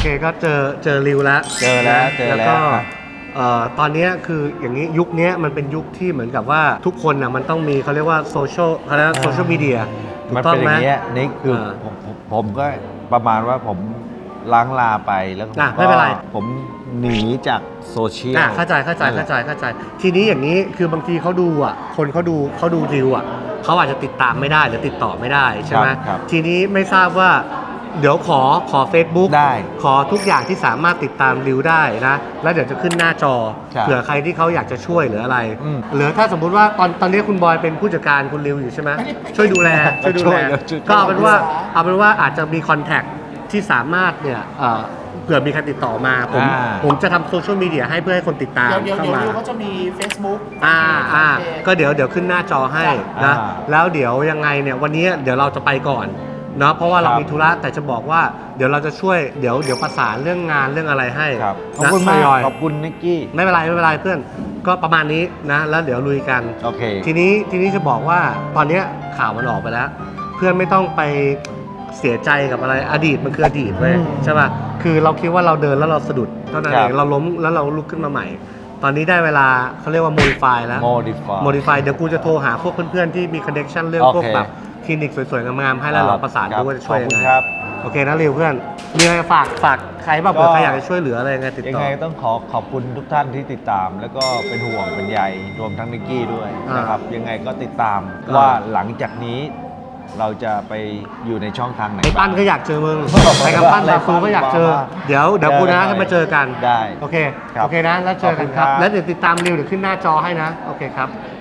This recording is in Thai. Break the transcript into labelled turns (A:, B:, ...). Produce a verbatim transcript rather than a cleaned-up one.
A: ก็เจอเจอริวแล้ว
B: เจอแล้วเจอแล้ว
A: ก็เอ่อตอนนี้คืออย่างนี้ยุคนี้มันเป็นยุคที่เหมือนกับว่าทุกคนน่ะมันต้องมีเขาเรียกว่าโซเชียลเขาเรียกว่าโซเชียลมีเดียถู
B: มัน
A: กต้อ
B: เป็
A: ง
B: นอ
A: ไหม
B: ย่างเงี้ยนี่คือ
A: เออ
B: ผมผมผมก็ประมาณว่าผมล้างลาไปแล้วก็
A: อ่ะไม่เป็นไร
B: ผมหนีจากโซเชียล
A: อ่ะเข้าใจเข้าใจเข้าใจเข้าใจ ทีนี้อย่างนี้คือบางทีเขาดูอ่ะคนเขาดูเขาดูริวอ่ะเขาอาจจะติดตามไม่ได้หรือติดต่อไม่ได้ใช่ไหม
B: ครับ
A: ทีนี้ไม่ทราบว่าเดี๋ยวขอขอ Facebook
B: ได้
A: ขอทุกอย่างที่สามารถติดตามริวได้นะแล้วเดี๋ยวจะขึ้นหน้าจอ
B: ครับ
A: เผื่อใครที่เขาอยากจะช่วยหรืออะไร
B: อืม
A: หรือถ้าสมมุติว่าตอนตอนนี้คุณบอยเป็นผู้จัดการคุณริวอยู่ใช่ไหมช่วยดูแลช่วยดู
B: ช่
A: แล
B: วยช่วย
A: ก็เอาเป็นว่าเอาเป็นว่าอาจจะมีคอนแทคที่สามารถเนี่ยเอ่อเผื่อมีใครติดต่อมาผม
B: อ่า
A: ผมจะทำโซเชียลมีเดียให้เพื่อให้คนติดตาม
C: เดี๋ยวเดี๋ยว
A: เข้า
C: เดี๋ยว
A: มา
C: ริวเขาจะมี Facebook
A: อ่าอ่า
C: เพจ
A: ก็เดี๋ยวเดี๋ยวขึ้นหน้าจอให้นะ
B: อ่า
A: แล้วเดี๋ยวยังไงเนี่ยวันนี้เดี๋ยวเราจะไปก่อนเนาะเพราะว่าเรา
B: ครับ
A: มีธุระแต่จะบอกว่าเดี๋ยวเราจะช่วยเดี๋ยวเดี๋ยวประสานเรื่องงานเรื่องอะไรให้
B: ครับขอบ
A: นะ
B: คุณมาก
A: ทยอย
B: ขอบคุณนิกกี้
A: ไม่เป็นไรไม่เป็นไรเพื่อนก็ประมาณนี้นะแล้วเดี๋ยวลุยกัน
B: โอเค
A: ทีนี้ทีนี้จะบอกว่าตอนเนี้ยข่าวมันออกไปแล้ว เพื่อนไม่ต้องไปเสียใจกับอะไรอดีตมันคืออดีตเว้ย
B: อืม
A: ใช่ป่ะคือเราคิดว่าเราเดินแล้วเราสะดุดเท่านั้น
B: ครั
A: เอบ งเราล้มแล้วเราลุกขึ้นมาใหม่ ตอนนี้ได้เวลาเขาเรียกว่า modify แล้ว
B: modify
A: modify เดี๋ยวกูจะโทรหาพวกเพื่อนๆที่มี connection เรื่อง
B: โอเค
A: พวกแบบคลินิกสวยๆงามๆให้แล้วเราประสานดูว่าจะช่วย
B: ขอบ
A: ยัง
B: คุณ
A: ไง
B: ครับ
A: โอเคนะริวเพื่อนมีอะไรฝากฝากใครบ้างเผื่อใครอยากจะช่วยเหลืออะไรยังไงติด
B: ยัง
A: ต่อ
B: ไงต้องขอขอบคุณทุกท่านที่ติดตาม แล้วก็เป็นห่วงเป็นใยรวมทั้งนิกกี้ด้วย
A: อ่าน
B: นะครับยังไงก็ติดตาม
A: อ่า
B: ว่าหลังจากนี้เราจะไปอยู่ในช่องทางไหน
A: ไอ้ปั้นก็อยากเจอมึงไอ้กับปั้นตาฟูก็อยากเจอ เดี๋ยวเดี๋ยวกูนะให้มาเจอกัน
B: ได้
A: โอเค
B: ครับ
A: โอเคนะ แล้วเจอกันครับ
B: ขอบคุณครับ
A: แล้วเดี๋ยวติดตามริวเดี๋ยวขึ้นหน้าจอให้นะ โอเคครับ